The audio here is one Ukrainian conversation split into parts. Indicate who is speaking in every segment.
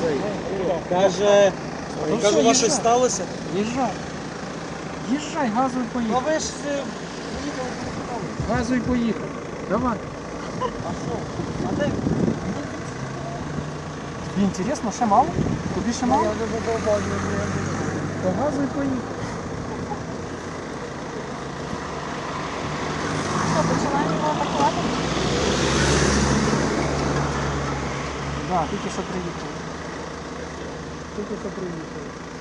Speaker 1: Каже,
Speaker 2: Кажу,
Speaker 1: у вас щось
Speaker 2: їжджай.
Speaker 1: сталося?
Speaker 2: Їжджай. Їжджай, газуй
Speaker 1: А
Speaker 2: поїхав.
Speaker 1: ви ж поїхали.
Speaker 2: Газуй поїхав. Давай.
Speaker 1: А що? А де?
Speaker 2: Тобі інтересно, ще мало? Тобі ще мало?
Speaker 1: Я вже задовбав,
Speaker 2: То газуй поїхав.
Speaker 3: Що, починаємо його атакувати?
Speaker 2: Так, тільки що приїхали. Тільки що приїхали.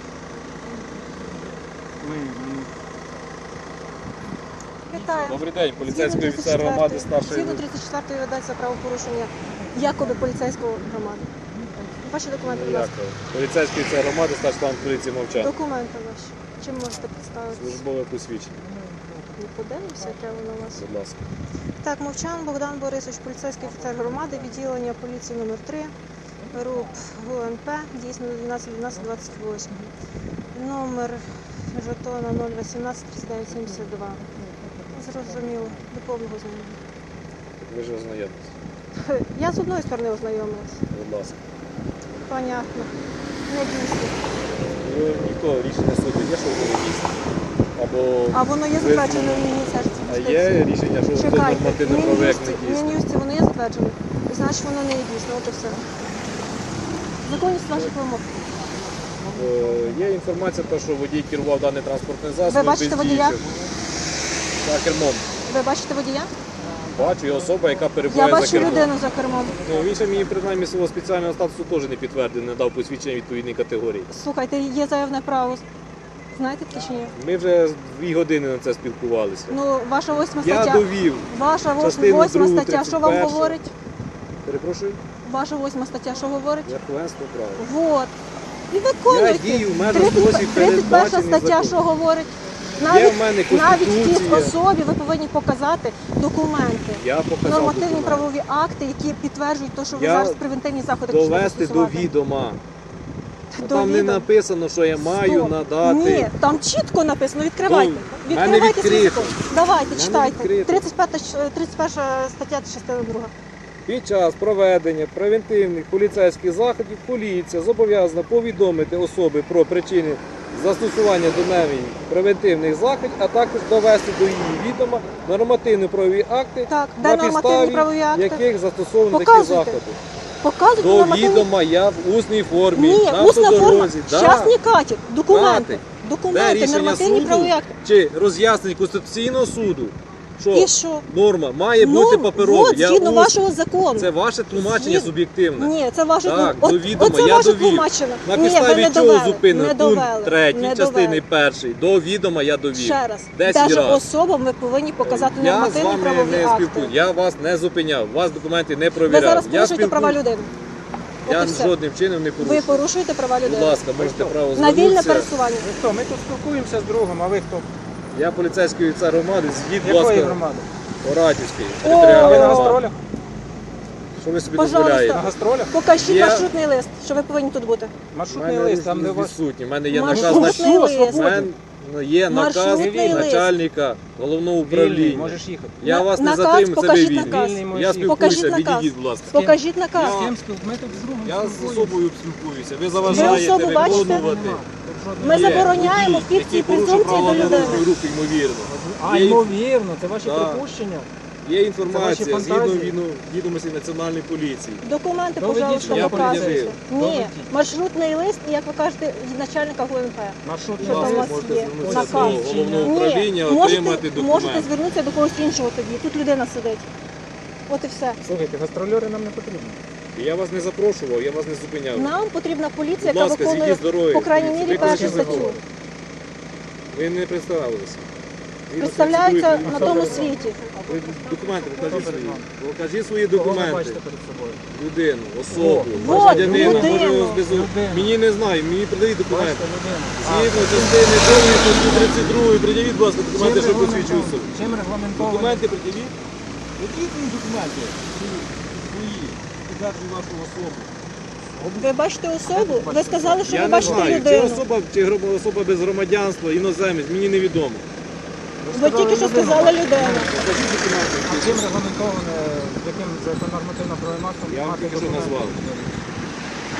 Speaker 3: Вітаю.
Speaker 4: Добрий день, поліцейський офіцер громади старшої.
Speaker 3: Згідно 34-ї ведеться правопорушення якоби поліцейського громади. Ваші документи, будь ласка.
Speaker 4: Дякую. Поліцейський офіцер громади, старший лейтенант поліції Мовчан.
Speaker 3: Документи ваші. Чим можете представити?
Speaker 4: Службове посвідчення,
Speaker 3: Не подивимося, яке воно у вас.
Speaker 4: будь ласка.
Speaker 3: Так, Мовчан Богдан Борисович, поліцейський офіцер громади, відділення поліції номер 3 РУП ГУНП, дійсно 12-12-28. Номер жетона 018-39-72. Зрозуміло, до повного знайомого.
Speaker 4: Ви ж ознайомились.
Speaker 3: Я з одної сторони ознайомилась.
Speaker 4: Будь ласка.
Speaker 3: Понятно. Не дійсно.
Speaker 4: Ніхто рішення суду є, що ви дійсно? Або
Speaker 3: А воно є затверджене в Міністерстві
Speaker 4: а
Speaker 3: юстиції?
Speaker 4: є рішення, що це
Speaker 3: Чекайте,
Speaker 4: нормативно проект не дійсно?
Speaker 3: Мін'юсті воно є затверджене. Значить, воно не є дійсно, от і все. Законність ваших вимог.
Speaker 4: Є інформація, що водій керував даний транспортний засіб.
Speaker 3: Ви бачите водія?
Speaker 4: За кермом.
Speaker 3: Ви бачите водія?
Speaker 4: Бачу, є особа, яка
Speaker 3: Я
Speaker 4: перебуває за
Speaker 3: бачу
Speaker 4: кермом.
Speaker 3: людину за кермом.
Speaker 4: Ну, він ще мені принаймні свого спеціального статусу теж не підтвердив, не дав посвідчення відповідної категорії.
Speaker 3: Слухайте, є заявне право. Знаєте таке чи ні?
Speaker 4: Ми вже 2 години на це спілкувалися.
Speaker 3: Ну, ваша 8
Speaker 4: Я
Speaker 3: стаття.
Speaker 4: довів.
Speaker 3: Ваша
Speaker 4: частину
Speaker 3: 8
Speaker 4: другу,
Speaker 3: стаття, що вам
Speaker 4: 31-ю.
Speaker 3: говорить?
Speaker 4: Перепрошую,
Speaker 3: Ваша 8 стаття, що говорить?
Speaker 4: верховенство права.
Speaker 3: Вот. І виконуйте.
Speaker 4: Я дію в межах
Speaker 3: 31
Speaker 4: спосіб передбачений
Speaker 3: стаття,
Speaker 4: законом.
Speaker 3: що говорить?
Speaker 4: Є в мене
Speaker 3: Навіть тій
Speaker 4: Конституція.
Speaker 3: особі ви повинні показати документи.
Speaker 4: Я показав
Speaker 3: Нормативні
Speaker 4: документ.
Speaker 3: правові акти, які підтверджують те, що ви
Speaker 4: Я
Speaker 3: зараз превентивні заходи почнете
Speaker 4: Довести до
Speaker 3: застосувати.
Speaker 4: відома.
Speaker 3: До
Speaker 4: Там не
Speaker 3: відома.
Speaker 4: написано, що я маю
Speaker 3: Стоп.
Speaker 4: надати.
Speaker 3: Ні, там чітко написано. Відкривайте.
Speaker 4: Ну, в мене
Speaker 3: Відкривайте свій
Speaker 4: відкрито.
Speaker 3: закон. Давайте,
Speaker 4: мене
Speaker 3: читайте.
Speaker 4: відкрито.
Speaker 3: 31 стаття, частина 2.
Speaker 4: Під час проведення превентивних поліцейських заходів поліція зобов'язана повідомити особи про причини застосування до неї превентивних заходів, а також довести до її відома нормативно-правові акти,
Speaker 3: Так, де
Speaker 4: на
Speaker 3: нормативні
Speaker 4: підставі
Speaker 3: правові акти?
Speaker 4: яких застосовані такі
Speaker 3: Показуйте.
Speaker 4: заходи.
Speaker 3: Показуйте
Speaker 4: До
Speaker 3: нормативні...
Speaker 4: відома я в усній формі,
Speaker 3: Ні,
Speaker 4: на
Speaker 3: усна форма.
Speaker 4: автодорозі.
Speaker 3: Щас не катять. Документи.
Speaker 4: Де
Speaker 3: Документи,
Speaker 4: рішення
Speaker 3: нормативні
Speaker 4: суду
Speaker 3: правові акти.
Speaker 4: чи роз'яснення Конституційного суду, що
Speaker 3: І що?
Speaker 4: норма має бути паперова.
Speaker 3: от, згідно вашого закону.
Speaker 4: Це ваше тлумачення
Speaker 3: Згід-
Speaker 4: суб'єктивне.
Speaker 3: Ні, це ваше
Speaker 4: Так,
Speaker 3: От-
Speaker 4: до відома
Speaker 3: оце
Speaker 4: я
Speaker 3: ваше
Speaker 4: довів.
Speaker 3: тлумачення.
Speaker 4: На
Speaker 3: Ні, ви
Speaker 4: підставі
Speaker 3: не
Speaker 4: чого
Speaker 3: довели,
Speaker 4: зупинено?
Speaker 3: не
Speaker 4: Пункт
Speaker 3: довели,
Speaker 4: 3
Speaker 3: не
Speaker 4: частини
Speaker 3: довели.
Speaker 4: 1. До відома я довів.
Speaker 3: Ще раз.
Speaker 4: 10
Speaker 3: Даже
Speaker 4: разів.
Speaker 3: особам ви повинні показати
Speaker 4: Я з
Speaker 3: нормативні
Speaker 4: вами
Speaker 3: правові
Speaker 4: не
Speaker 3: акти.
Speaker 4: спілкуюся. Я вас не зупиняв, вас документи не
Speaker 3: Ви
Speaker 4: провіряв.
Speaker 3: зараз
Speaker 4: Я
Speaker 3: порушуєте права
Speaker 4: спілкуюсь.
Speaker 3: людини. От
Speaker 4: Я
Speaker 3: і все.
Speaker 4: жодним чином не
Speaker 3: Ви
Speaker 4: порушую.
Speaker 3: порушуєте права
Speaker 4: Будь
Speaker 3: людини.
Speaker 4: ласка, можете право
Speaker 3: На вільне
Speaker 4: звернутися.
Speaker 3: пересування.
Speaker 2: Ви хто? Ми тут спілкуємося з другом, а ви хто?
Speaker 4: Я поліцейський офіцер громади, згід, будь
Speaker 2: Якої
Speaker 4: ласка,
Speaker 2: громади?
Speaker 4: Оратівський.
Speaker 3: О!
Speaker 2: А ви на
Speaker 4: територіальний громади.
Speaker 2: гастролях?
Speaker 4: Що ви собі
Speaker 3: Пожалуйста.
Speaker 2: На
Speaker 4: дозволяєте?
Speaker 2: гастролях?
Speaker 3: Покажіть
Speaker 4: Є-
Speaker 3: маршрутний лист, що ви повинні тут бути.
Speaker 4: У
Speaker 2: Маршрутний
Speaker 4: мене
Speaker 2: лист, там де у вас...
Speaker 4: відсутні. У мене є наказ
Speaker 3: Маршрутний
Speaker 2: Що,
Speaker 3: лист.
Speaker 2: свободен?
Speaker 4: є наказ
Speaker 3: Маршрутний лист.
Speaker 4: начальника головного
Speaker 2: Вільний,
Speaker 4: управління.
Speaker 2: можеш їхати.
Speaker 4: Я вас не
Speaker 3: Наказ,
Speaker 4: затримую, це ви
Speaker 3: покажіть
Speaker 4: вільні.
Speaker 3: наказ.
Speaker 2: Вільний можеш
Speaker 4: Я
Speaker 2: їхати.
Speaker 4: спілкуюся,
Speaker 3: Покажіть наказ.
Speaker 4: відійдіть, будь ласка.
Speaker 3: Покажіть наказ.
Speaker 2: З ким спілкуємося? Ми тут з другом
Speaker 4: Я з
Speaker 2: спілкуємося.
Speaker 4: особою спілкуюся. Ви
Speaker 3: Ви
Speaker 4: заважаєте
Speaker 3: особу бачите?
Speaker 4: виконувати.
Speaker 3: Ми
Speaker 4: Є
Speaker 3: забороняємо
Speaker 4: водій,
Speaker 3: фікції
Speaker 4: який порушив
Speaker 3: презумпції
Speaker 4: правила
Speaker 3: до людини.
Speaker 4: дорожнього руху, ймовірно.
Speaker 2: А,
Speaker 4: Є-
Speaker 2: ймовірно, це ваші
Speaker 4: Так.
Speaker 2: припущення.
Speaker 4: Є
Speaker 2: Це
Speaker 4: інформація
Speaker 2: ваші
Speaker 4: згідно
Speaker 2: фантазії?
Speaker 4: відомостей Національної поліції.
Speaker 3: Документи,
Speaker 2: Доведіть,
Speaker 3: пожалуйста,
Speaker 2: що я
Speaker 3: показуйте.
Speaker 4: пред'явив.
Speaker 3: Ні,
Speaker 2: Доведіть.
Speaker 3: маршрутний лист, і, як ви кажете, начальника ГУНП.
Speaker 2: Маршрутний
Speaker 3: Що там у
Speaker 2: лист.
Speaker 3: вас
Speaker 4: Можете
Speaker 3: є?
Speaker 4: звернутися
Speaker 3: Наказ.
Speaker 4: до головного
Speaker 3: Ні,
Speaker 4: управління,
Speaker 3: можете
Speaker 4: отримати документи.
Speaker 3: звернутися до когось іншого тоді. Тут людина сидить. От і все.
Speaker 2: Слухайте, гастрольори нам не потрібні.
Speaker 4: Я вас не запрошував, я вас не зупиняв.
Speaker 3: Нам потрібна поліція,
Speaker 4: Будь
Speaker 3: яка
Speaker 4: ласка,
Speaker 3: виконує,
Speaker 4: зійдіть з дороги.
Speaker 3: по крайній
Speaker 4: Поліція.
Speaker 3: мірі,
Speaker 4: Ви
Speaker 3: першу
Speaker 4: з ким ви
Speaker 3: статтю.
Speaker 4: говорите? Ви не представилися. Згідно
Speaker 3: Представляються
Speaker 4: 32
Speaker 3: на тому
Speaker 2: перед вами?
Speaker 3: світі.
Speaker 4: Ви документи покажіть
Speaker 2: Хто перед
Speaker 4: свої.
Speaker 2: вами?
Speaker 4: Покажіть свої
Speaker 2: Кого ви
Speaker 4: документи.
Speaker 2: бачите перед собою?
Speaker 4: Людину, особу,
Speaker 3: Вот,
Speaker 4: громадянина,
Speaker 3: людину.
Speaker 4: може його збезу.
Speaker 2: Людину.
Speaker 4: Мені не знаю, мені придають документи.
Speaker 2: Бачите людину.
Speaker 4: Згідно частини 2 статті 32, приділіть, будь ласка, документи, що посвідчують особу.
Speaker 2: Чим регламентовані?
Speaker 4: Документи приділіть. Які мені документи? Свої. Підтверджують вашу особу.
Speaker 3: Ви бачите особу? Ви сказали, що
Speaker 4: Я
Speaker 3: ви
Speaker 4: не
Speaker 3: бачите
Speaker 4: знаю, чи
Speaker 3: людину.
Speaker 4: особа, чи особа без громадянства, іноземець, мені невідомо.
Speaker 3: Ви тільки що сказали людину.
Speaker 4: Покажіть документи.
Speaker 2: А чим регламентоване, яким нормативно-правовим актом
Speaker 4: Я вам
Speaker 2: мати
Speaker 4: тільки що
Speaker 2: документи?
Speaker 4: назвав.
Speaker 2: Чим
Speaker 4: Я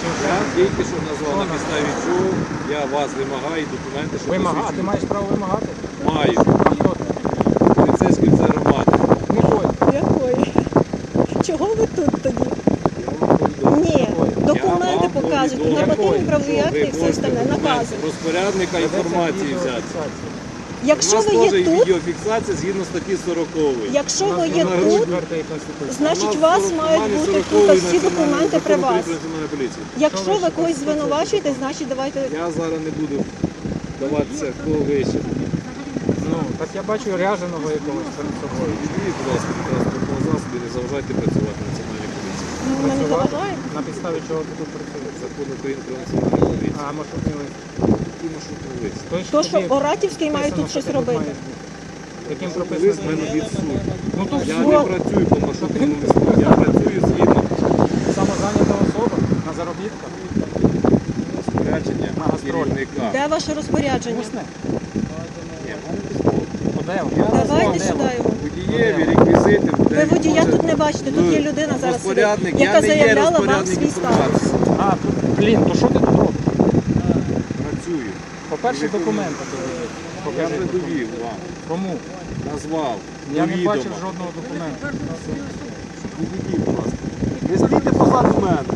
Speaker 4: Тільки що назвав на підставі чого я вас вимагаю документи, що
Speaker 2: Вимагати, ти
Speaker 4: посвідчують.
Speaker 2: маєш право вимагати?
Speaker 4: Маю.
Speaker 2: А хто ти?
Speaker 4: Поліцейський офіцер громади.
Speaker 2: Не ходь.
Speaker 3: Якої? Чого ви тут тоді?
Speaker 4: Я вам повідомив.
Speaker 3: Ні, документи
Speaker 4: Я вам
Speaker 3: показують,
Speaker 4: повідомив,
Speaker 3: нормативні правові
Speaker 4: що
Speaker 3: акти
Speaker 4: ви
Speaker 3: і все
Speaker 4: можете
Speaker 3: остальне,
Speaker 4: документ
Speaker 3: накази.
Speaker 4: розпорядника інформації взяти.
Speaker 3: Якщо
Speaker 4: У нас
Speaker 3: ви
Speaker 4: теж
Speaker 3: є
Speaker 4: є
Speaker 3: тут,
Speaker 4: відеофіксація згідно статті 40.
Speaker 3: якщо ви є
Speaker 4: на
Speaker 3: тут,
Speaker 2: Четвертої Конституції.
Speaker 3: значить у вас мають бути тут всі документи при вас. Якщо ви когось звинувачуєте, значить давайте.
Speaker 4: Я зараз не буду даватися кого вище.
Speaker 2: Ну, так я бачу ряженого якогось перед собою.
Speaker 4: Відійдіть, будь ласка, від транспортного засобу і не заважайте працювати національній поліції.
Speaker 3: Ну, ми не заважаємо.
Speaker 2: На підставі чого ти тут працюєш?
Speaker 4: Закон України про національну поліцію.
Speaker 2: А маршрутний лист?
Speaker 4: Який маршрутний лист?
Speaker 3: То, що Оратівський має тут щось робити.
Speaker 2: Яким
Speaker 4: Лист в
Speaker 2: прописано?
Speaker 4: мене від суду.
Speaker 2: Ну то
Speaker 4: Я
Speaker 2: все.
Speaker 4: не працюю по маршрутному листу, я працюю згідно
Speaker 2: Самозайнята особа на заробітках.
Speaker 4: розпорядження
Speaker 2: На гастролі.
Speaker 4: керівника.
Speaker 3: Де ваше розпорядження?
Speaker 2: Усне.
Speaker 4: Ні, в мене письмо.
Speaker 2: Де?
Speaker 3: Давайте сюди його.
Speaker 4: Водієві, реквізити.
Speaker 3: Ви водія тут не бачите, тут є людина зараз сидить,
Speaker 4: Розпорядник.
Speaker 3: яка
Speaker 4: Я не є
Speaker 3: заявляла вам
Speaker 4: розпорядник
Speaker 3: свій статус.
Speaker 4: інформації.
Speaker 2: А, тут, блін, то що ти тут робиш?
Speaker 4: Працюю.
Speaker 2: По-перше,
Speaker 4: Ви
Speaker 2: документи доведіть.
Speaker 4: Я
Speaker 2: Покажи.
Speaker 4: придовів вам.
Speaker 2: Кому?
Speaker 4: Назвав.
Speaker 2: Я не
Speaker 4: довідомо.
Speaker 2: бачив жодного документу.
Speaker 4: Відійдіть, будь ласка. Не стійте позаду мене.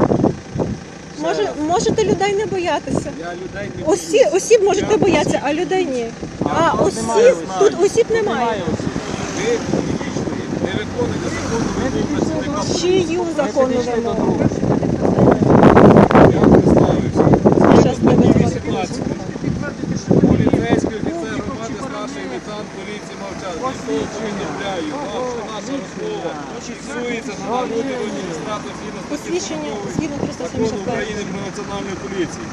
Speaker 3: Можете людей не боятися.
Speaker 4: Я людей не
Speaker 3: Осіб можете боятися, а людей ні. А,
Speaker 2: у нас немає
Speaker 3: осіб,
Speaker 2: осіб.
Speaker 3: тут осіб немає.
Speaker 4: Ви підійшли, не виконуєте законну вимогу працівника.
Speaker 3: Чию законну
Speaker 2: Ми підійшли до
Speaker 3: вимогу?
Speaker 2: другого.
Speaker 4: Я представився.
Speaker 3: Щас тебе
Speaker 4: Статті
Speaker 3: звати.
Speaker 4: 18. Поліцейський офіцер громади, старший лейтенант поліції мовчав. Дійсно повідомляю вам, що наша розмова фіксується на народі адміністратор згідно статті
Speaker 3: Посвідчення
Speaker 4: 40
Speaker 3: згідно
Speaker 4: Закону
Speaker 3: 375.
Speaker 4: України про національну поліцію.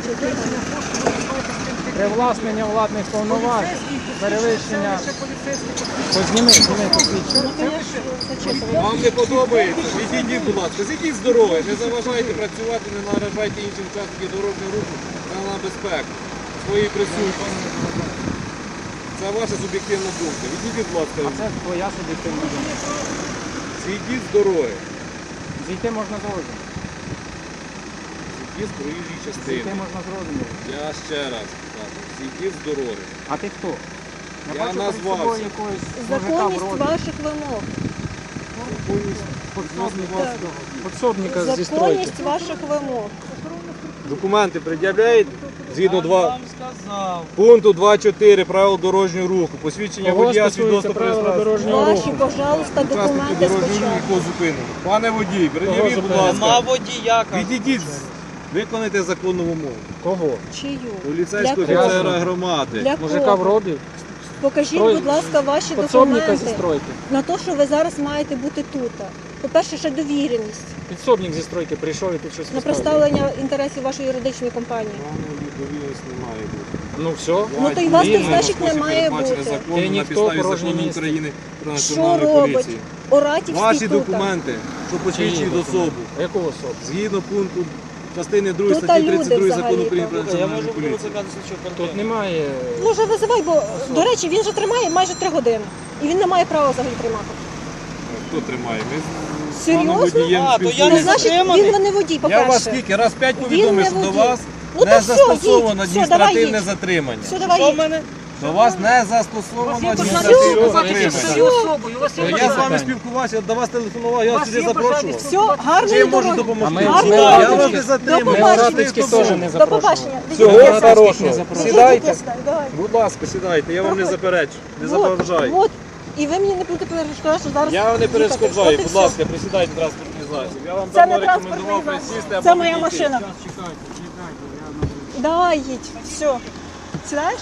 Speaker 2: Привласнення владних повноважень, перевищення. Позніми, посвідчення.
Speaker 3: Ну, конечно, зачитувати.
Speaker 4: Вам не подобається? Відійдіть, будь ласка, зійдіть з дороги, не заважайте працювати, не наражайте інших учасників дорожнього руху на небезпеку своїй присутності. Це ваша суб'єктивна думка. Відійдіть, будь
Speaker 2: А
Speaker 4: ласка,
Speaker 2: це твоя суб'єктивна думка.
Speaker 4: зійдіть з дороги.
Speaker 2: Зійти можна з розуму.
Speaker 4: Зійдіть з проїжджої
Speaker 2: Зійти
Speaker 4: частини.
Speaker 2: можна з розуму.
Speaker 4: Я ще раз кажу, зійдіть з дороги.
Speaker 2: А ти хто?
Speaker 4: Я
Speaker 2: бачу перед
Speaker 4: назвався.
Speaker 2: собою якогось мужика
Speaker 3: Законність
Speaker 2: вроді.
Speaker 3: ваших вимог.
Speaker 2: Подсобника зі стройки.
Speaker 3: Законність ваших вимог.
Speaker 4: Документи пред'являють згідно пункту 2.4 правил дорожнього руху. Посвідчення
Speaker 2: Кого
Speaker 4: водія
Speaker 2: стосується
Speaker 4: свідоцтво про
Speaker 2: правила
Speaker 4: реєстрацію.
Speaker 2: дорожнього
Speaker 3: Ваші,
Speaker 2: руху?
Speaker 3: пожалуйста,
Speaker 4: Учасники
Speaker 3: документи
Speaker 4: дорожнього руху,
Speaker 3: спочатку.
Speaker 4: якого зупинено. Пане водій, пред'явіть, будь
Speaker 2: зупинено?
Speaker 1: Нема
Speaker 4: ласка.
Speaker 1: водія.
Speaker 4: Відійдіть, виконайте законну вимогу.
Speaker 2: Кого?
Speaker 3: Чию?
Speaker 4: Поліцейського
Speaker 3: Для кого?
Speaker 4: офіцера громади.
Speaker 3: Для
Speaker 2: Мужика в
Speaker 3: кого?
Speaker 2: робі?
Speaker 3: Покажіть,
Speaker 2: Строй-
Speaker 3: будь ласка, ваші
Speaker 2: Подсобника зі
Speaker 3: документи
Speaker 2: стройки.
Speaker 3: на те, що ви зараз маєте бути тут. По-перше, ще довіреність
Speaker 2: Підсобник зі стройки прийшов і тут щось
Speaker 3: на
Speaker 2: розказує.
Speaker 3: представлення інтересів вашої юридичної компанії.
Speaker 4: Довіреність не має бути.
Speaker 2: Ну все.
Speaker 3: Ну, то й вас тут,
Speaker 4: Вільно,
Speaker 3: значить,
Speaker 4: на спосіб
Speaker 3: не має
Speaker 4: передбачений
Speaker 3: бути.
Speaker 4: законом
Speaker 2: Ти
Speaker 4: на
Speaker 2: ніхто,
Speaker 4: підставі
Speaker 2: порожнє
Speaker 4: закону
Speaker 2: місце.
Speaker 4: України про
Speaker 3: Що
Speaker 4: національну
Speaker 3: робить
Speaker 4: поліцію.
Speaker 3: Оратівський
Speaker 4: Ваші
Speaker 3: тут?
Speaker 4: документи, що посвідчують особу,
Speaker 2: Яку особу?
Speaker 4: згідно пункту частини 2
Speaker 3: Тут
Speaker 4: статті
Speaker 3: люди
Speaker 4: 32 закону
Speaker 3: взагалі-то.
Speaker 4: України про
Speaker 1: Я
Speaker 4: національну
Speaker 1: можу
Speaker 4: поліцію.
Speaker 1: викликати слідчого
Speaker 2: Тут
Speaker 1: контролю.
Speaker 2: немає.
Speaker 3: Може, визивай, бо, до речі, він же тримає майже 3 години. І він не має права взагалі тримати.
Speaker 4: Хто тримає? Ми з
Speaker 3: Серйозно?
Speaker 4: паном водієм
Speaker 1: А, то я
Speaker 3: Ну,
Speaker 1: не
Speaker 4: спілкуємося.
Speaker 3: значить,
Speaker 1: затриманий.
Speaker 3: він не водій,
Speaker 4: Я вас
Speaker 3: по-перше.
Speaker 4: скільки? Раз 5
Speaker 3: Він
Speaker 4: повідомив,
Speaker 3: не
Speaker 4: що до
Speaker 3: водій.
Speaker 4: вас
Speaker 3: Ну,
Speaker 4: не
Speaker 3: то все,
Speaker 4: застосовано
Speaker 3: їдь. Все, давай
Speaker 4: адміністративне
Speaker 3: їдь.
Speaker 4: затримання.
Speaker 3: Все, давай
Speaker 1: Що в
Speaker 3: їдь.
Speaker 1: мене?
Speaker 4: До вас не застосовано
Speaker 3: Все,
Speaker 4: адміністративне
Speaker 3: все.
Speaker 4: затримання. Я з вами спілкувався, до вас телефонував, я вас сюди запрошував.
Speaker 3: Все, гарної
Speaker 4: Чим я можу
Speaker 3: дороги.
Speaker 4: допомогти?
Speaker 2: А ми-
Speaker 3: Гарної
Speaker 2: ми
Speaker 4: Я
Speaker 3: дороги.
Speaker 4: вас не
Speaker 3: До
Speaker 4: затримую.
Speaker 2: Ми
Speaker 3: побачення.
Speaker 2: Оратівських теж не
Speaker 3: До
Speaker 2: запрошували.
Speaker 3: побачення.
Speaker 4: Всього
Speaker 3: Відійдіть,
Speaker 4: хорошого.
Speaker 2: не запрошували.
Speaker 4: Сідайте.
Speaker 3: Відійдіть, давай.
Speaker 4: Будь ласка, сідайте, я вам не
Speaker 3: Проходь.
Speaker 4: заперечу, не заважаю.
Speaker 3: От. І ви мені не будете перешкодувати, що зараз...
Speaker 4: Я вам не
Speaker 3: їхати.
Speaker 4: перешкоджаю,
Speaker 3: От і
Speaker 4: будь
Speaker 3: все.
Speaker 4: ласка, присідайте в транспортний засіб. Я вам
Speaker 3: Це
Speaker 4: давно
Speaker 3: не транспортний
Speaker 4: рекомендував
Speaker 3: засіб.
Speaker 4: присісти або
Speaker 3: Це моя
Speaker 4: відійти.
Speaker 3: машина. Давай, їдь. Все. Сідаєш?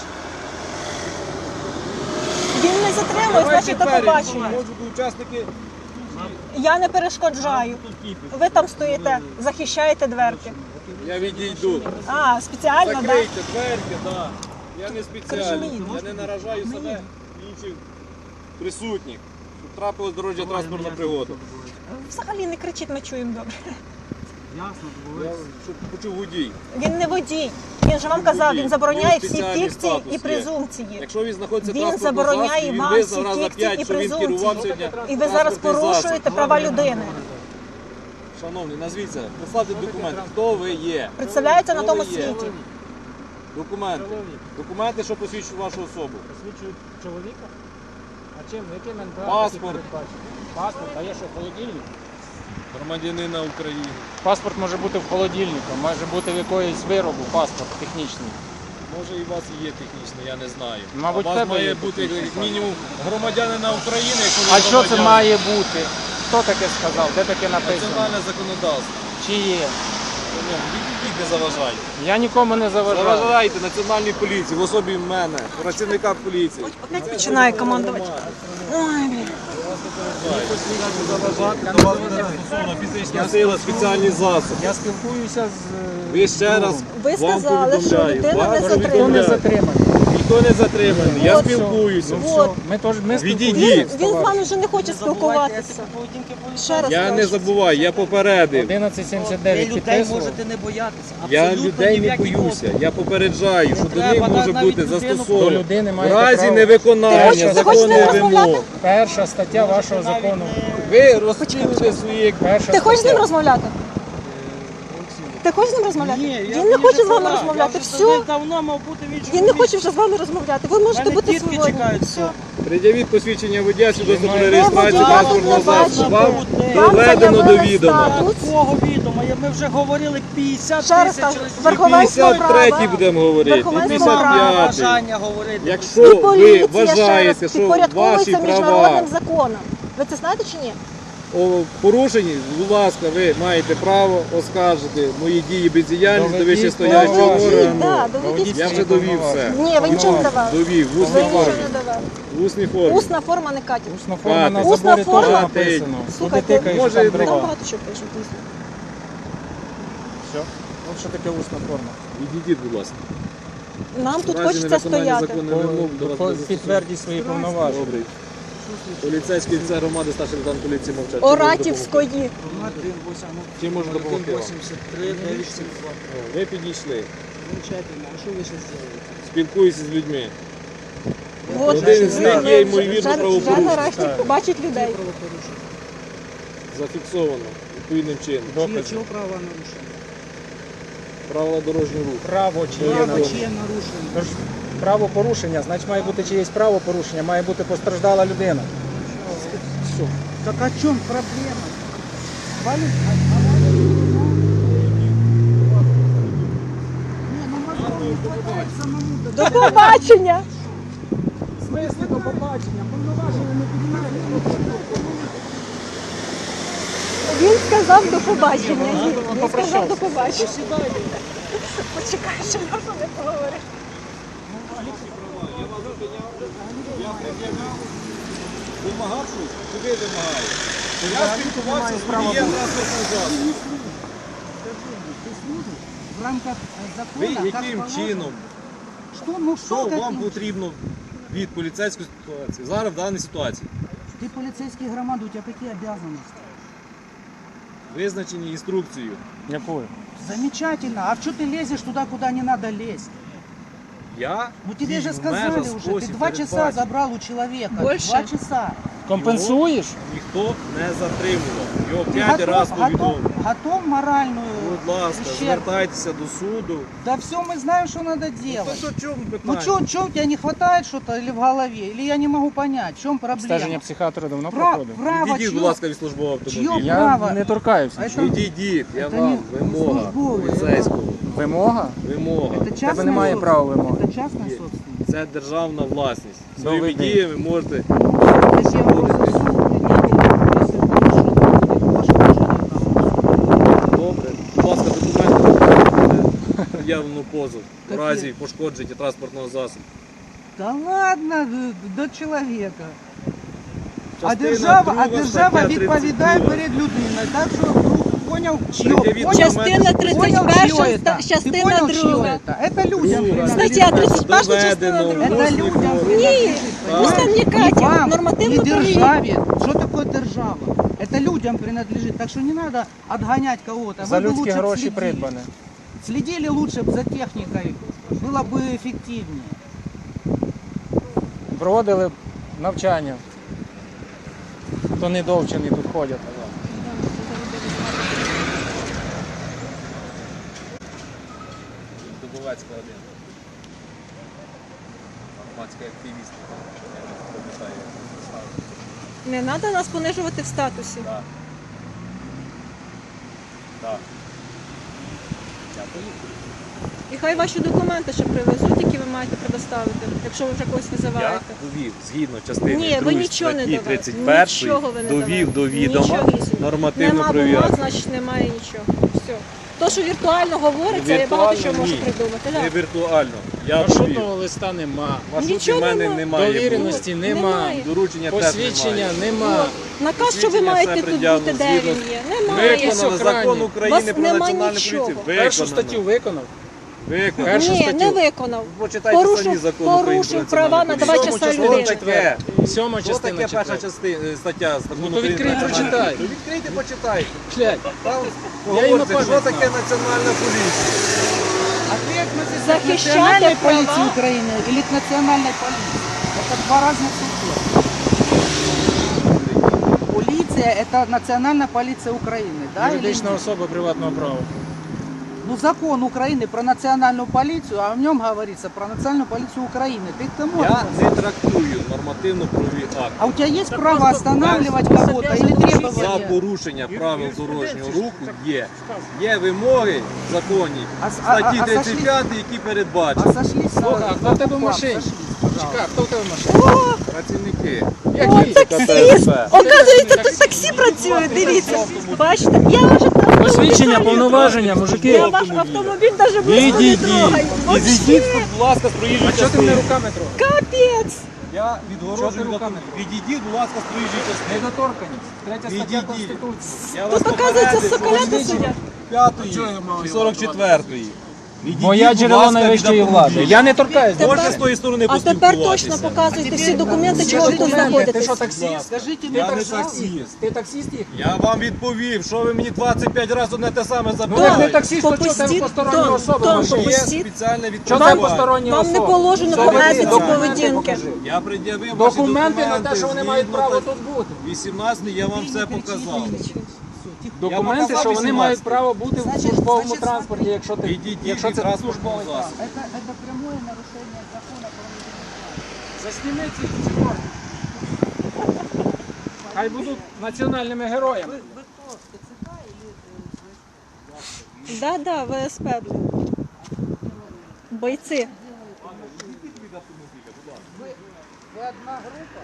Speaker 3: Він не затримує, значить до побачення.
Speaker 4: Можуть бути учасники.
Speaker 3: Я не перешкоджаю. Ви там стоїте, захищаєте дверки.
Speaker 4: Я відійду.
Speaker 3: А, спеціально, так?
Speaker 4: Закрийте дверки, так. Я не спеціально. Я не наражаю себе і інших присутніх. Щоб трапилась дорожня транспортна пригода.
Speaker 3: Взагалі не кричіть, ми чуємо добре.
Speaker 4: Я щоб почув водій.
Speaker 3: Він не водій. Він же вам казав, він забороняє всі
Speaker 4: Спеціальний
Speaker 3: фікції
Speaker 4: статус
Speaker 3: і
Speaker 4: є.
Speaker 3: презумпції.
Speaker 4: Якщо він знаходиться в
Speaker 3: Він
Speaker 4: транспортному
Speaker 3: забороняє
Speaker 4: засобі, він
Speaker 3: вам
Speaker 4: визнав
Speaker 3: всі
Speaker 4: раз за
Speaker 3: фікції
Speaker 4: 5,
Speaker 3: і
Speaker 4: що він керував
Speaker 3: презумпції.
Speaker 4: сьогодні
Speaker 3: І ви зараз
Speaker 4: транспортний
Speaker 3: порушуєте
Speaker 4: засіб.
Speaker 3: права людини.
Speaker 4: Шановний, назвіться, представте документи. Хто ви є?
Speaker 3: Представляється на
Speaker 4: Хто
Speaker 3: тому
Speaker 4: ви є?
Speaker 3: світі.
Speaker 4: Документи.
Speaker 2: Чоловік.
Speaker 4: Документи, що посвідчують вашу особу.
Speaker 2: Посвідчують чоловіка? А чим? Яким НПА?
Speaker 4: Паспорт.
Speaker 2: Паспорт, а є що, холодильник?
Speaker 4: Громадянина України.
Speaker 2: Паспорт може бути в холодильнику, може бути в якоїсь виробу, паспорт технічний.
Speaker 4: Може і у вас і є технічний, я не знаю.
Speaker 2: Мабуть,
Speaker 4: а у
Speaker 2: в
Speaker 4: вас
Speaker 2: тебе
Speaker 4: має
Speaker 2: є
Speaker 4: бути
Speaker 2: технічний
Speaker 4: як мінімум громадянина України, якщо ви
Speaker 2: А що це
Speaker 4: громадянин.
Speaker 2: має бути? Хто таке сказав? Де таке написано?
Speaker 4: Національне законодавство.
Speaker 2: Чи є?
Speaker 4: Відійдіть, не заважайте.
Speaker 2: Я нікому не заважаю.
Speaker 4: Заважайте Національній поліції, в особі мене, працівника поліції.
Speaker 3: Опять починає командувати. Ой, блін.
Speaker 4: До вас буде застосована фізична сила, спеціальні засоби.
Speaker 2: Я спілкуюся з...
Speaker 4: Ви ще раз
Speaker 3: Ви
Speaker 4: вам
Speaker 3: сказали, що
Speaker 4: повідомляю.
Speaker 3: людина
Speaker 4: Вас
Speaker 3: не
Speaker 2: Ніхто не
Speaker 4: повідомляю.
Speaker 2: затриманий.
Speaker 4: Ніхто не затриманий, я
Speaker 3: От що.
Speaker 4: спілкуюся.
Speaker 3: От.
Speaker 2: Ми спілкуємося.
Speaker 4: Відійдіть.
Speaker 3: Він з вами вже не хоче спілкуватися. Ще раз
Speaker 4: Я не
Speaker 3: кажу.
Speaker 4: забуваю, я попередив.
Speaker 2: 1179
Speaker 1: людей
Speaker 2: підписував.
Speaker 1: можете не боятися.
Speaker 4: Я
Speaker 1: Абсолютно
Speaker 4: людей
Speaker 1: ні в
Speaker 4: не
Speaker 1: який
Speaker 4: боюся.
Speaker 1: спосіб.
Speaker 4: Я попереджаю, що до
Speaker 1: треба
Speaker 4: них може
Speaker 1: навіть
Speaker 4: бути
Speaker 1: людину
Speaker 2: До
Speaker 4: застосовано.
Speaker 2: людини
Speaker 4: В
Speaker 2: маєте
Speaker 4: разі
Speaker 2: право.
Speaker 3: Ти
Speaker 4: невиконання
Speaker 3: хочеш з ним
Speaker 4: законних
Speaker 3: розмовляти?
Speaker 4: вимог.
Speaker 2: Перша стаття вашого закону.
Speaker 4: Ви розслідуєте свої...
Speaker 2: Перша
Speaker 3: Ти хочеш з ним
Speaker 2: стаття.
Speaker 3: розмовляти? Ти хочеш з ним розмовляти?
Speaker 1: Ні,
Speaker 3: Він не хоче з вами
Speaker 1: Я
Speaker 3: розмовляти.
Speaker 1: вже
Speaker 3: Все.
Speaker 1: давно мав бути в іншому
Speaker 3: Він не
Speaker 1: місці.
Speaker 3: хоче вже з вами розмовляти. Ви можете
Speaker 1: Мене
Speaker 3: бути
Speaker 1: дітки
Speaker 3: свободні.
Speaker 1: чекають,
Speaker 3: Все.
Speaker 4: Пред'явіть посвідчення водія, свідоцтво про
Speaker 2: Де
Speaker 4: реєстрацію
Speaker 3: водія
Speaker 4: транспортного
Speaker 3: не
Speaker 4: засобу. Вам
Speaker 3: бачите?
Speaker 4: доведено до
Speaker 3: заявили
Speaker 4: відома.
Speaker 3: статус.
Speaker 1: Такого відома. Ми вже говорили 50
Speaker 3: Ще раз
Speaker 1: тисяч
Speaker 3: кажу,
Speaker 1: разів.
Speaker 3: верховенство
Speaker 4: 53-й
Speaker 3: права.
Speaker 4: будемо говорити, і
Speaker 3: Верховенство права.
Speaker 4: 55-й.
Speaker 1: Бажання говорити.
Speaker 3: І
Speaker 4: Якщо ви
Speaker 3: поліція,
Speaker 4: вважаєте,
Speaker 3: ще раз,
Speaker 4: що
Speaker 3: підпорядковується
Speaker 4: ваші права
Speaker 3: міжнародним законам. Ви це знаєте чи ні?
Speaker 4: порушені, будь ласка, ви маєте право оскаржити мої дії бездіяльність до
Speaker 2: Доведіть
Speaker 4: вищестоячого
Speaker 3: Доведіть,
Speaker 4: органу.
Speaker 3: да, доведіть.
Speaker 4: Я вже довів все.
Speaker 3: Ні, ви нічого не давали.
Speaker 4: Довів, в
Speaker 3: Ви
Speaker 4: усній
Speaker 3: нічого
Speaker 4: формі.
Speaker 3: не давали.
Speaker 4: В усній формі.
Speaker 3: Усна форма не катить.
Speaker 2: Усна форма на
Speaker 3: Усна
Speaker 2: заборі
Speaker 3: форма?
Speaker 2: теж написано. Куди
Speaker 3: Слухайте,
Speaker 2: тикаєш,
Speaker 4: може,
Speaker 2: там
Speaker 4: і
Speaker 3: Там
Speaker 2: дрова.
Speaker 3: багато чого пишуть, дійсно.
Speaker 2: Все. От що таке усна форма.
Speaker 4: Відійдіть, будь ласка.
Speaker 3: Нам тут
Speaker 4: В разі
Speaker 3: хочеться
Speaker 4: невиконання
Speaker 3: стояти.
Speaker 4: законних вимог до вас буде
Speaker 2: Підтвердіть свої повноваження.
Speaker 4: Добрий. Поліцейський офіцер громади, старший лейтенант поліції мовчать.
Speaker 3: Оратівської.
Speaker 4: Чим можу допомогти вам?
Speaker 1: 83, 972.
Speaker 4: О, ви підійшли.
Speaker 1: Замечательно. А що ви ще зробите?
Speaker 4: Спілкуюся з людьми.
Speaker 3: От,
Speaker 4: Один з них є, ймовірно,
Speaker 3: вже
Speaker 4: правопорушник.
Speaker 3: нарешті побачить людей.
Speaker 1: Правопорушення.
Speaker 4: Зафіксовано відповідним чином.
Speaker 2: Докази.
Speaker 1: Чого права нарушення?
Speaker 4: Правила дорожнього руху.
Speaker 2: Право чи є
Speaker 1: Право
Speaker 2: нарушення.
Speaker 1: чиє нарушення?
Speaker 2: Тож право порушення, значить має бути чиєсь право порушення, має бути постраждала людина. Все.
Speaker 1: Так о чем проблема? Валю?
Speaker 3: До побачення!
Speaker 2: В смислі до побачення, повноваження не піднімають.
Speaker 3: Він сказав до побачення. Він сказав до побачення.
Speaker 1: Сідайте.
Speaker 3: Почекай, що я вже не поговорю.
Speaker 4: Вимагав щось? Чи ви вимагаєте? Я спілкувався з водієм транспортного засобу.
Speaker 1: В рамках
Speaker 4: Ви
Speaker 1: закона,
Speaker 4: яким чином,
Speaker 1: Что, ну
Speaker 4: що
Speaker 1: что
Speaker 4: вам
Speaker 1: каким?
Speaker 4: потрібно від поліцейської ситуації? Зараз в даній ситуації.
Speaker 1: Ты полицейский громада, у тебя какие обязанности?
Speaker 4: Визначені інструкцією.
Speaker 2: Якою?
Speaker 1: Замечательно. А что ты лезешь туда, куда не надо лезть?
Speaker 4: Я
Speaker 1: Ну тебе
Speaker 4: дій
Speaker 1: же
Speaker 4: в
Speaker 1: сказали
Speaker 4: межах
Speaker 1: уже, ты
Speaker 4: спосіб
Speaker 1: 2 часа
Speaker 4: передбачений.
Speaker 1: забрал у человека.
Speaker 3: Больше?
Speaker 1: 2 часа.
Speaker 2: Компенсуєш?
Speaker 4: Ніхто не затримував. Його
Speaker 1: Ты
Speaker 4: 5 разів повідомив.
Speaker 1: готов моральную
Speaker 4: Будь ласка,
Speaker 1: ущерб?
Speaker 4: звертайтеся до суду.
Speaker 1: Да все, мы знаем, что надо
Speaker 4: Ну,
Speaker 1: делать.
Speaker 4: що, чому
Speaker 1: Ну
Speaker 4: питання?
Speaker 1: что, у тебя не хватает что-то или в голове? Или я не могу понять, в чем
Speaker 2: Обстеження
Speaker 1: проблема?
Speaker 2: психіатра давно
Speaker 1: Пра-
Speaker 2: проходив.
Speaker 1: право
Speaker 4: Відійдіть, будь
Speaker 1: чье?
Speaker 4: ласка, від службового автомобіля.
Speaker 1: Чье?
Speaker 2: Я
Speaker 1: право.
Speaker 2: не торкаюся.
Speaker 1: А
Speaker 2: нічого.
Speaker 1: это-
Speaker 4: Відійдіть, я
Speaker 1: Це
Speaker 4: вам.
Speaker 1: не
Speaker 4: Вимога
Speaker 1: службовий,
Speaker 4: поліцейського.
Speaker 2: Вимога?
Speaker 4: Вимога.
Speaker 1: Это
Speaker 2: Тебе
Speaker 1: частная
Speaker 2: немає
Speaker 1: собственность.
Speaker 2: права вимоги.
Speaker 1: Это частная
Speaker 4: Є.
Speaker 1: собственность.
Speaker 4: Це державна власність. Своїми
Speaker 2: Доведи.
Speaker 4: діями можете.
Speaker 1: Если я его засуну, если ваше решение там.
Speaker 4: Добре. Будь ласка, документи явно позов в
Speaker 1: Такі.
Speaker 4: разі пошкодження транспортного засобу.
Speaker 1: Да ладно, до человека. А
Speaker 4: Частина
Speaker 1: держава
Speaker 4: друга,
Speaker 1: держава
Speaker 4: стаття
Speaker 1: відповідає
Speaker 4: 32.
Speaker 1: перед людиною. Так що понял, чье?
Speaker 4: Пред'явіть
Speaker 1: Понял,
Speaker 3: Частина
Speaker 1: понял,
Speaker 3: 31,
Speaker 1: чье это? Ты
Speaker 3: частина
Speaker 1: понял, чье
Speaker 3: 2.
Speaker 1: это? Это людям
Speaker 4: Друга.
Speaker 1: принадлежит.
Speaker 3: Стаття 31, частина
Speaker 4: Доведено.
Speaker 3: 2.
Speaker 1: Это
Speaker 4: Ось
Speaker 1: людям
Speaker 4: ніхто.
Speaker 1: принадлежит.
Speaker 3: Ні, пусть там не
Speaker 1: понимаете?
Speaker 3: Катя,
Speaker 1: Вам,
Speaker 3: нормативно
Speaker 1: не
Speaker 3: правові.
Speaker 1: державе. Что такое держава? Это людям принадлежит. Так что не надо отгонять кого-то.
Speaker 2: За
Speaker 1: Вы бы
Speaker 2: людські
Speaker 1: лучше б
Speaker 2: гроші
Speaker 1: следили.
Speaker 2: придбане.
Speaker 1: Следили лучше б за техникой. Было бы эффективнее.
Speaker 2: Проводили б навчання. Хто не довчений тут ходять.
Speaker 4: Дубовецька 1. Громадський активіст. Я не пам'ятаю, як він ставив.
Speaker 3: Не треба нас понижувати в статусі.
Speaker 4: Так. Так. Дякую.
Speaker 3: І хай ваші документи ще привезуть, які ви маєте предоставити, якщо ви вже когось
Speaker 4: Я
Speaker 3: визиваєте.
Speaker 4: довів, згідно частини
Speaker 3: Ні, ви
Speaker 4: 2
Speaker 3: нічого не
Speaker 4: статті
Speaker 3: довели.
Speaker 4: 31,
Speaker 3: Нічого ви не
Speaker 4: довів до
Speaker 3: довели.
Speaker 4: відома
Speaker 3: Нічогісінько.
Speaker 4: нормативно
Speaker 3: Нема
Speaker 4: правові
Speaker 3: бумаг,
Speaker 4: акти.
Speaker 3: значить немає нічого. Все. То, що віртуально говориться, я багато що можу придумати.
Speaker 4: Не
Speaker 3: Да.
Speaker 4: віртуально. Я
Speaker 2: Маршрутного
Speaker 4: довів.
Speaker 2: листа нема.
Speaker 4: Маршрутів
Speaker 3: Нічого
Speaker 4: в мене
Speaker 3: нема.
Speaker 4: немає.
Speaker 2: Довіреності нема.
Speaker 3: Немає.
Speaker 4: Доручення теж
Speaker 2: Посвідчення
Speaker 4: немає.
Speaker 2: нема.
Speaker 3: Наказ, що ви
Speaker 4: Посвідчення
Speaker 3: маєте
Speaker 4: все
Speaker 3: тут бути,
Speaker 4: пред'явлено
Speaker 3: де він
Speaker 4: згідно
Speaker 3: є. Немає.
Speaker 4: Виконано
Speaker 2: охрані.
Speaker 4: закон України
Speaker 3: Вас
Speaker 4: про
Speaker 3: нема
Speaker 4: національну
Speaker 3: нічого.
Speaker 4: поліцію.
Speaker 2: Першу
Speaker 4: Виконано.
Speaker 2: статтю виконав.
Speaker 4: Виконано.
Speaker 2: Першу
Speaker 3: Ні,
Speaker 2: статтю.
Speaker 3: не виконав.
Speaker 4: Почитайте самі
Speaker 3: Порушив,
Speaker 4: закон України про
Speaker 3: порушив права
Speaker 4: національну
Speaker 3: на 2
Speaker 4: поліцію.
Speaker 3: часа
Speaker 2: Сьомому
Speaker 3: людини.
Speaker 2: числу
Speaker 4: Таке.
Speaker 2: Сьома
Speaker 4: Що
Speaker 2: частина
Speaker 4: таке перша
Speaker 2: четверта.
Speaker 4: стаття закону
Speaker 2: Ну, то
Speaker 4: України
Speaker 2: відкрийте,
Speaker 4: про національну
Speaker 2: прочитай.
Speaker 4: поліцію? Відкрийте, почитайте.
Speaker 2: Глянь,
Speaker 4: Там
Speaker 2: Я і на
Speaker 4: говориться, що
Speaker 2: пам'ять
Speaker 4: таке
Speaker 2: знав.
Speaker 4: національна поліція.
Speaker 1: А ты относишься к
Speaker 3: Захищати
Speaker 1: национальной
Speaker 3: права.
Speaker 1: полиции Украины или к национальной полиции? Это два разных субъекта. Полиция – это национальная полиция Украины, да? или
Speaker 2: юридична
Speaker 1: нет?
Speaker 2: особа приватного права.
Speaker 1: Ну, закон Украины про национальную полицию, а в нем говорится про национальную полицию Украины. Ты к тому
Speaker 4: Я
Speaker 1: относишься?
Speaker 4: не трактую нормативно-правові акти.
Speaker 1: А у тебя есть право останавливать кого-то или
Speaker 4: За
Speaker 1: требования?
Speaker 4: порушення правил дорожнього руху є. Є вимоги в законі
Speaker 1: А с-
Speaker 4: статті
Speaker 1: а
Speaker 4: 35, які
Speaker 1: А
Speaker 4: передбачені.
Speaker 1: сошлись
Speaker 2: Слухай, а хто в тебе в
Speaker 1: факт,
Speaker 2: машині?
Speaker 1: сошлись, пожалуйста.
Speaker 2: Чекай, хто в тебе в машині?
Speaker 4: Працівники.
Speaker 3: О,
Speaker 2: Які?
Speaker 3: таксист! Оказується, тут таксі працює, дивіться. Бачите, я вже там
Speaker 2: Посвідчення, повноваження, мужики.
Speaker 3: Я ваш автомобіль навіть близько не трогаю.
Speaker 4: Відійдіть,
Speaker 3: Вообще,
Speaker 4: будь ласка, з проїжджої
Speaker 2: А чого ти мене
Speaker 4: частини.
Speaker 2: руками трогав?
Speaker 3: капець.
Speaker 4: Я
Speaker 2: Чого ти
Speaker 4: відгороджую
Speaker 2: руками?
Speaker 4: Відійдіть, будь ласка, з проїжджої частини.
Speaker 2: Недоторканість. Третя стаття
Speaker 4: Відійдіть.
Speaker 2: Конституції.
Speaker 4: Я вас
Speaker 3: Тут, оказується,
Speaker 4: попередив,
Speaker 3: соколяти
Speaker 4: що
Speaker 3: сидять.
Speaker 4: 5-ї і 44-ї. Відійдіть,
Speaker 2: Моя
Speaker 4: будь
Speaker 2: джерело
Speaker 4: ласка,
Speaker 2: найвищої
Speaker 4: від
Speaker 2: влади.
Speaker 4: автомобіля.
Speaker 2: Я не торкаюсь.
Speaker 3: Тепер-
Speaker 4: Можна з тої сторони
Speaker 3: А тепер
Speaker 4: поспілкуватися?
Speaker 3: точно показуйте всі документи,
Speaker 2: Всі
Speaker 3: чого ви тут
Speaker 2: документи. Ти
Speaker 3: знаходитесь.
Speaker 2: що, таксист?
Speaker 1: Скажите
Speaker 2: Ти
Speaker 1: мне,
Speaker 4: Я не
Speaker 2: таксист?
Speaker 4: таксист.
Speaker 2: Ти таксист їх?
Speaker 4: Я вам відповів, що ви мені 25 разів одне те саме
Speaker 2: Ну, як не
Speaker 4: забираєте.
Speaker 2: таксист, то чого тебе
Speaker 3: Попустіть,
Speaker 2: постороння
Speaker 3: Том,
Speaker 2: особа в
Speaker 3: Том,
Speaker 2: машині?
Speaker 4: Є
Speaker 3: попустіть.
Speaker 4: спеціальне
Speaker 2: Чого
Speaker 4: відповідь.
Speaker 2: там постороння
Speaker 3: Вам не
Speaker 2: особа?
Speaker 3: положено
Speaker 2: Заведи
Speaker 3: по етиці
Speaker 2: документи,
Speaker 3: поведінки.
Speaker 2: покажи.
Speaker 4: Я пред'явив ваші
Speaker 2: Документи на те, що вони
Speaker 4: згідно
Speaker 2: мають право
Speaker 4: так-
Speaker 2: тут бути.
Speaker 4: 18 я вам все показав.
Speaker 2: Документи,
Speaker 4: показав
Speaker 2: що вони
Speaker 4: 18.
Speaker 2: мають право бути в
Speaker 1: Значить,
Speaker 2: службовому
Speaker 1: значить,
Speaker 2: транспорті, якщо ти
Speaker 4: Відійдіть
Speaker 2: якщо
Speaker 4: від
Speaker 2: це
Speaker 4: транспортного
Speaker 2: службовий
Speaker 4: засобу.
Speaker 2: транспорт.
Speaker 1: это прямое нарушение закона про мобильный
Speaker 2: Засніми ці чорти. Хай будуть національними героями.
Speaker 1: Вы кто, ТЦК или...
Speaker 3: Да, да, ВСП. Бойці.
Speaker 1: Вы одна группа?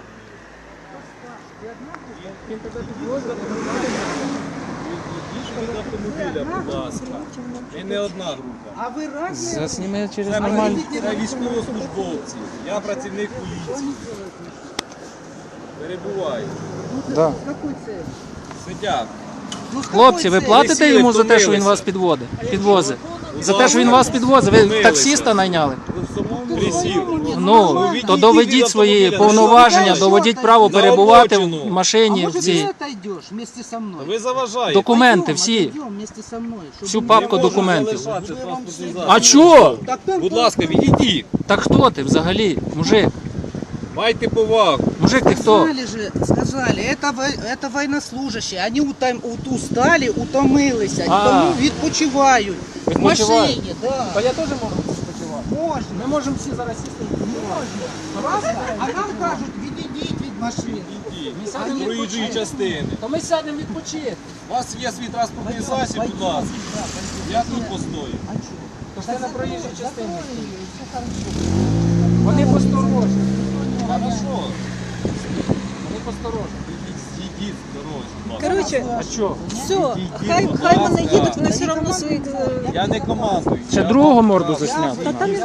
Speaker 2: Він тебе підвозить.
Speaker 4: Відійдіть від автомобіля, будь ласка. І не одна група.
Speaker 1: А вы разные?
Speaker 2: Засніми через
Speaker 4: Це
Speaker 2: нормальні.
Speaker 4: військовослужбовці. Я працівник поліції. Перебуваю.
Speaker 2: Да.
Speaker 1: С какой целью?
Speaker 4: Сидять.
Speaker 1: Ну, с какой
Speaker 2: Хлопці, ви
Speaker 1: целью?
Speaker 2: платите
Speaker 4: сіли,
Speaker 2: йому за те, що він
Speaker 4: втомилися.
Speaker 2: вас підвозить? За те, що він вас підвозить? Ви
Speaker 4: Втомилися.
Speaker 2: таксиста найняли?
Speaker 4: Ви в самому присів.
Speaker 2: Ну,
Speaker 4: відійдіть
Speaker 2: то
Speaker 4: від
Speaker 2: доведіть свої
Speaker 4: автомобіля.
Speaker 2: повноваження,
Speaker 1: Що
Speaker 2: доведіть
Speaker 1: ти?
Speaker 2: право
Speaker 4: На
Speaker 2: перебувати
Speaker 4: обочину.
Speaker 2: в
Speaker 1: А
Speaker 2: машині в
Speaker 1: может,
Speaker 2: цій.
Speaker 1: ты отойдешь вместе со мной?
Speaker 4: Ви заважаєте.
Speaker 2: Документи
Speaker 1: Пойдем,
Speaker 2: всі.
Speaker 1: отойдем вместе со мной. чтобы
Speaker 2: Всю
Speaker 1: не-
Speaker 2: папку
Speaker 4: Не можу
Speaker 2: документів.
Speaker 4: залишати транспортний засіб.
Speaker 2: А чого?
Speaker 1: Так там
Speaker 4: Будь ласка, відійдіть.
Speaker 2: Так хто ти взагалі? Мужик,
Speaker 4: Майте повагу.
Speaker 2: мужик, ти хто?
Speaker 1: Сказали, это военнослужащие. Они устали, утомилися,
Speaker 2: А.
Speaker 1: тому відпочивають. В
Speaker 2: Відпочивають.
Speaker 1: машині, да.
Speaker 2: Та я теж можу спочивати.
Speaker 1: Можна.
Speaker 2: Ми можемо всі зараз сісти.
Speaker 1: Правда? А нам кажуть, відійдіть від машини.
Speaker 2: Ми
Speaker 4: З
Speaker 2: сядемо
Speaker 4: проїжджої
Speaker 2: відпочити.
Speaker 4: частини.
Speaker 2: То ми сядемо відпочити.
Speaker 4: У вас є свій транспортний засіб, будь ласка. Я тут постою.
Speaker 2: То ж ти на проїжджій частині. Вони посторожні.
Speaker 4: Хорошо.
Speaker 2: Вони посторожні.
Speaker 4: Зійдіть з дорозі, будь ласка.
Speaker 3: Коротше,
Speaker 2: А що?
Speaker 3: все, хай вони їдуть, вони все одно свої...
Speaker 4: Я не командую.
Speaker 2: Ще
Speaker 4: Я
Speaker 2: другого
Speaker 4: вам
Speaker 2: морду
Speaker 4: показую.
Speaker 2: засняти.
Speaker 3: Та там не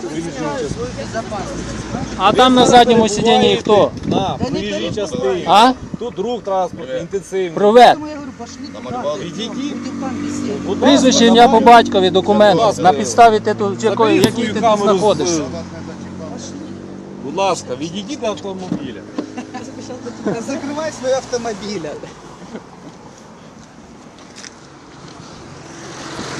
Speaker 2: А там на задньому сидінні хто?
Speaker 4: На проїжджій частині.
Speaker 2: А?
Speaker 4: Тут рух транспорту інтенсивний.
Speaker 2: Провед.
Speaker 1: Тому я говорю, пошли туди.
Speaker 4: Відійдіть.
Speaker 1: Будемо там бесідувати.
Speaker 4: Будь ласка,
Speaker 2: Прізвище, ім'я по
Speaker 4: давай.
Speaker 2: батькові, документи.
Speaker 4: Будь ласка.
Speaker 2: На підставі титулу, якої,
Speaker 4: Заберіть
Speaker 2: який
Speaker 4: свою
Speaker 2: ти тут
Speaker 4: камеру з-
Speaker 2: знаходишся.
Speaker 4: Будь ласка, відійдіть до автомобіля.
Speaker 1: Закривай свій автомобіль.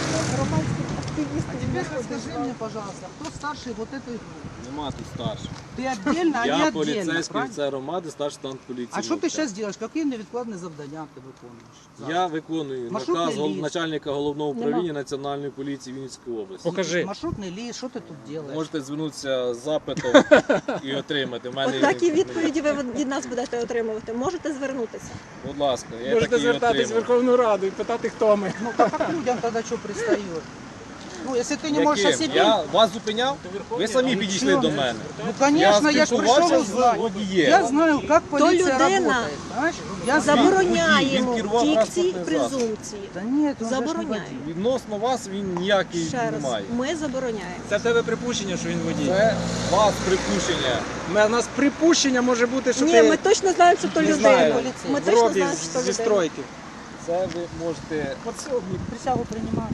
Speaker 1: А теперь скажи мне, пожалуйста, кто старший вот этой группы?
Speaker 4: Нема тут старших.
Speaker 1: Ты отдельно, а не
Speaker 4: Я
Speaker 1: отдельно,
Speaker 4: поліцейський
Speaker 1: правильно?
Speaker 4: офіцер громади, старший лейтенант поліції.
Speaker 1: А что ты
Speaker 4: Мовчан.
Speaker 1: сейчас делаешь? Какие невідкладні завдання ти виконуєш?
Speaker 4: Я виконую
Speaker 1: Маршрутний
Speaker 4: наказ
Speaker 1: лист.
Speaker 4: начальника головного
Speaker 3: Нема.
Speaker 4: управління Національної поліції Вінницької області.
Speaker 2: Покажи.
Speaker 1: Маршрутний ліст, що ти тут делаешь?
Speaker 4: Можете звернутися з запитом і отримати. В мене
Speaker 3: От такі відповіді ви від нас будете отримувати. Можете звернутися.
Speaker 4: Будь ласка, я
Speaker 2: Можете
Speaker 4: такі
Speaker 2: звертатись в
Speaker 4: отримав.
Speaker 2: Верховну Раду і питати, хто ми.
Speaker 1: Ну так как людям тогда что пристает? Ну, если ты не можешь о
Speaker 4: Яким?
Speaker 1: себе...
Speaker 4: Я вас зупиняв? Ви самі
Speaker 1: Ну,
Speaker 4: підійшли
Speaker 1: чё?
Speaker 4: до мене.
Speaker 1: Ну, конечно, я ж пришел
Speaker 4: спілкувався з
Speaker 1: узнать.
Speaker 4: водієм.
Speaker 1: Я знаю, как полиция
Speaker 3: людина
Speaker 1: работает. Знаешь? Я знаю.
Speaker 3: Забороняємо
Speaker 4: Він керував
Speaker 3: дикції
Speaker 4: транспортним засобом.
Speaker 3: презумпції.
Speaker 1: Да нет, он же ж не
Speaker 3: Забороняю.
Speaker 1: водитель.
Speaker 4: Відносно вас він ніякий
Speaker 3: Ще раз,
Speaker 4: немає.
Speaker 3: ми забороняємо.
Speaker 2: Це в тебе припущення, що він водій.
Speaker 4: Це вас припущення.
Speaker 2: У нас припущення може бути, що
Speaker 3: Ні,
Speaker 2: ти
Speaker 3: ми точно знаємо, що то
Speaker 2: Не
Speaker 3: людина.
Speaker 2: знаю.
Speaker 3: Ми
Speaker 2: в
Speaker 3: точно
Speaker 2: робі
Speaker 3: знаємо, що то
Speaker 2: зі
Speaker 3: людина.
Speaker 2: стройки.
Speaker 4: Це ви можете,
Speaker 1: Подсобник, присягу принимаю.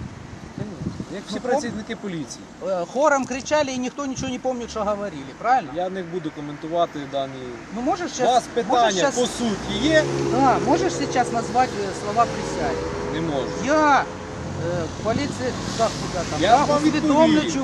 Speaker 4: як всі
Speaker 1: Ну,
Speaker 4: працівники поліції.
Speaker 1: Хором кричали, и никто ничего не помнит, что говорили, правильно?
Speaker 4: Я не буду коментувати дані.
Speaker 1: Ну можешь
Speaker 4: У
Speaker 1: сейчас...
Speaker 4: вас
Speaker 1: можешь
Speaker 4: питання
Speaker 1: щас-
Speaker 4: по суті є?
Speaker 1: Да, можешь сейчас назвать слова присяги?
Speaker 4: Не можу.
Speaker 1: Я поліція, так, куди там,
Speaker 4: Я
Speaker 1: я
Speaker 4: вам
Speaker 1: усвідомлюючи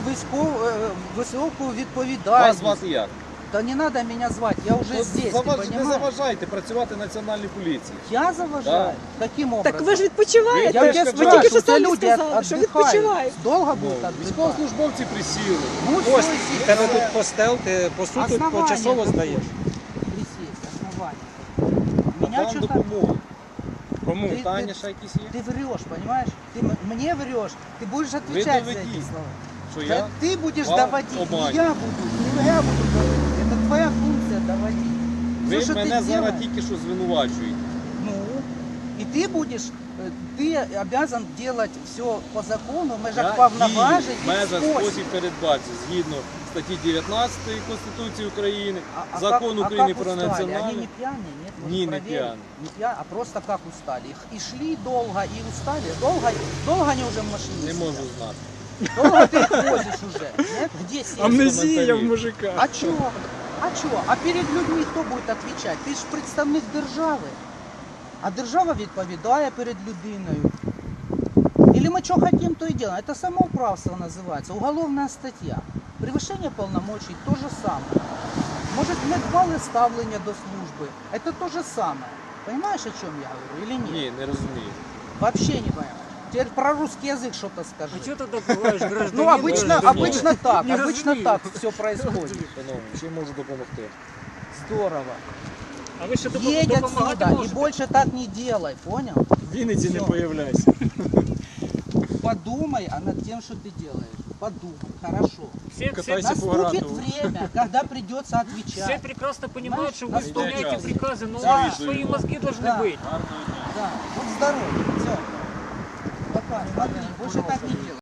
Speaker 1: високу
Speaker 4: Вас
Speaker 1: відповідальність.
Speaker 4: звати як?
Speaker 1: Да не надо меня звать, я уже
Speaker 4: От
Speaker 1: здесь,
Speaker 4: не
Speaker 1: ты понимаешь?
Speaker 4: заважайте працювати Національній поліції.
Speaker 1: Я заважаю? Каким образом?
Speaker 3: Так ви ж відпочиваєте.
Speaker 1: Я
Speaker 4: Ви
Speaker 1: тебя
Speaker 4: ж
Speaker 3: Ви тільки
Speaker 1: спрашиваю,
Speaker 3: що
Speaker 1: у тебя
Speaker 3: самі
Speaker 1: люди
Speaker 3: сказали, що
Speaker 1: отдыхают.
Speaker 3: відпочивають.
Speaker 1: Долго
Speaker 4: Ну,
Speaker 1: будут отдыхать?
Speaker 4: військовослужбовці присіли.
Speaker 1: Ну,
Speaker 2: Ось,
Speaker 1: всё,
Speaker 2: в
Speaker 1: сидь.
Speaker 2: тебе тут постел, ти по суті
Speaker 1: Основание
Speaker 2: почасово
Speaker 1: какое?
Speaker 2: здаєш.
Speaker 1: Присесть, основание. Меня
Speaker 4: Надам
Speaker 1: что-то...
Speaker 4: допомогу.
Speaker 2: Кому?
Speaker 1: Ти-
Speaker 4: Питання ще якісь є?
Speaker 1: Ты врешь, понимаешь? Ты мне врешь, ты будешь
Speaker 4: Ви
Speaker 1: отвечать за эти
Speaker 4: доведіть,
Speaker 1: слова.
Speaker 4: що
Speaker 1: Да
Speaker 4: я
Speaker 1: ты будешь
Speaker 4: вам
Speaker 1: доводить,
Speaker 4: обманю.
Speaker 1: не я буду, не я буду доводить. Это твоя функция доводить.
Speaker 4: Ви
Speaker 1: Всё, что
Speaker 4: мене
Speaker 1: ты
Speaker 4: зараз
Speaker 1: делаешь,
Speaker 4: тільки що звинувачуєте.
Speaker 1: ну, и ты будешь, ты обязан делать все по закону, в межах
Speaker 4: Я
Speaker 1: повноважень
Speaker 4: дію в
Speaker 1: и
Speaker 4: межах
Speaker 1: спосіб.
Speaker 4: спосіб передбачити згідно статті 19 Конституції України,
Speaker 1: А
Speaker 4: Закон
Speaker 1: как-
Speaker 4: України
Speaker 1: как
Speaker 4: про
Speaker 1: устали? Они
Speaker 4: національну.
Speaker 1: не пьяные, нет? Может,
Speaker 4: Не, не
Speaker 1: проверить?
Speaker 4: пьяные.
Speaker 1: Не пьяные, а просто как устали. И шли долго, и устали. Долго они уже в машине
Speaker 4: Не
Speaker 1: сидят?
Speaker 4: можу знати.
Speaker 1: Долго ты их возишь уже, нет? Где сесть?
Speaker 2: Амнезія в мужика.
Speaker 1: А чого? А чого? А перед людьми хто буде відповідати? Ти ж представник держави. А держава відповідає перед людиною. Или мы что хотим, то и делаем. Это самоуправство называется, уголовная статья. Превышение полномочий – то же самое. Может, недбале ставлення до службы – это то же самое. Понимаешь, о чем я говорю или нет?
Speaker 4: Ні, не розумію.
Speaker 1: Вообще не понимаю. Теперь про русский язык что-то скажи.
Speaker 5: А что ты добываешь, гражданин?
Speaker 1: Ну, обычно так,
Speaker 5: Не
Speaker 1: обычно
Speaker 5: разумею.
Speaker 1: так все происходит.
Speaker 4: Шановні, чим можу допомогти?
Speaker 1: Здорово.
Speaker 5: А вы что
Speaker 1: Едь
Speaker 5: допомагати
Speaker 1: отсюда и
Speaker 5: можете?
Speaker 1: больше так не делай, понял?
Speaker 2: В Вінниці не
Speaker 1: Всё.
Speaker 2: появляйся.
Speaker 1: Подумай над тем, что ты делаешь. Подумай, хорошо.
Speaker 5: Все,
Speaker 2: Катайся по
Speaker 1: Наступит
Speaker 2: грату.
Speaker 1: время, когда придется
Speaker 5: все
Speaker 1: отвечать.
Speaker 5: прекрасно понимают, что вы
Speaker 1: Знаешь,
Speaker 5: исполняете
Speaker 4: наступит.
Speaker 5: приказы, но
Speaker 1: Да.
Speaker 5: свои мозги должны
Speaker 1: Да.
Speaker 5: быть.
Speaker 1: Да, вот здоровье, все. Пока, смотри, больше так не